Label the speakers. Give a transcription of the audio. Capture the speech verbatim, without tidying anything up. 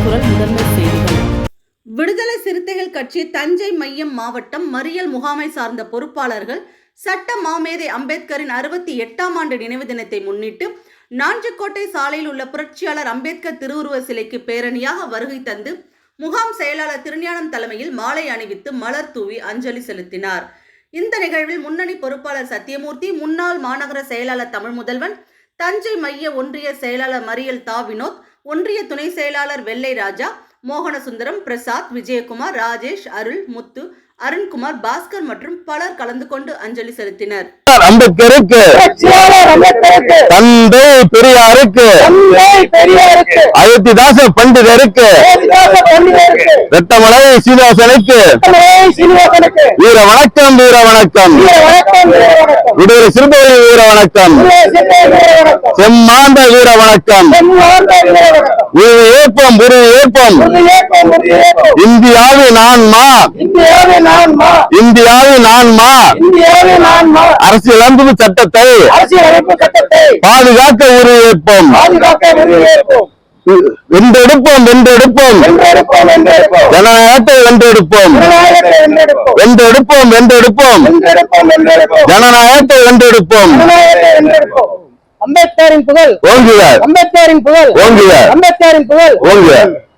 Speaker 1: குரல் முதன்மை செய்திகள். விடுதலை சிறுத்தைகள் கட்சி தஞ்சை மையம் மாவட்டம் மறியல் முகாமை சார்ந்த பொறுப்பாளர்கள் சட்ட மாமேதை அம்பேத்கரின் அறுபத்தி எட்டாம் ஆண்டு நினைவு தினத்தை முன்னிட்டு நாஞ்சிக்கோட்டை சாலையில் உள்ள புரட்சியாளர் அம்பேத்கர் திருவுருவ சிலைக்கு பேரணியாக வருகை தந்து முகாம் செயலாளர் திருஞானம் தலைமையில் மாலை அணிவித்து மலர் தூவி அஞ்சலி செலுத்தினார். இந்த நிகழ்வில் முன்னணி பொறுப்பாளர் சத்தியமூர்த்தி, முன்னாள் மாநகர செயலாளர் தமிழ் முதல்வன், தஞ்சை மைய ஒன்றிய செயலாளர் மறியல் தா வினோத், ஒன்றிய துணை செயலாளர் வெள்ளை ராஜா, மோகனசுந்தரம், பிரசாத், விஜயகுமார், ராஜேஷ், அருள், முத்து, அருண்குமார், பாஸ்கர் மற்றும் பலர் கலந்து கொண்டு அஞ்சலி செலுத்தினர்.
Speaker 2: அம்பேத்கருக்கு, தந்தை பெரியாருக்கு, அயோத்திதாச பண்டிதருக்கு, வெட்டமலை சீனிவாசனுக்கு வீர வணக்கம், வீர வணக்கம். விடுதலை சிறுத்தைகள் வீர வணக்கம், செம்மாண்ட வீர வணக்கம். உறுதி ஏற்போம், உறுதி ஏற்போம். இந்தியாவின் ஆன்மா, இந்தியாவின் ஆன்மா அரசியலமைப்பு சட்டத்தை பாதுகாக்க உறுதியேற்போம். வென்றெடுப்போம், வென்றெடுப்போம். ஜனநாயகத்தை வென்றெடுப்போம், வென்றெடுப்போம், வென்றெடுப்போம். ஜனநாயகத்தை வென்றெடுப்போம்.
Speaker 3: அம்பேத்கரின் புகழ் ஓங்குக, அம்பேத்கரின் புகழ் ஓங்குக, அம்பேத்கரின் புகழ் ஓங்குக.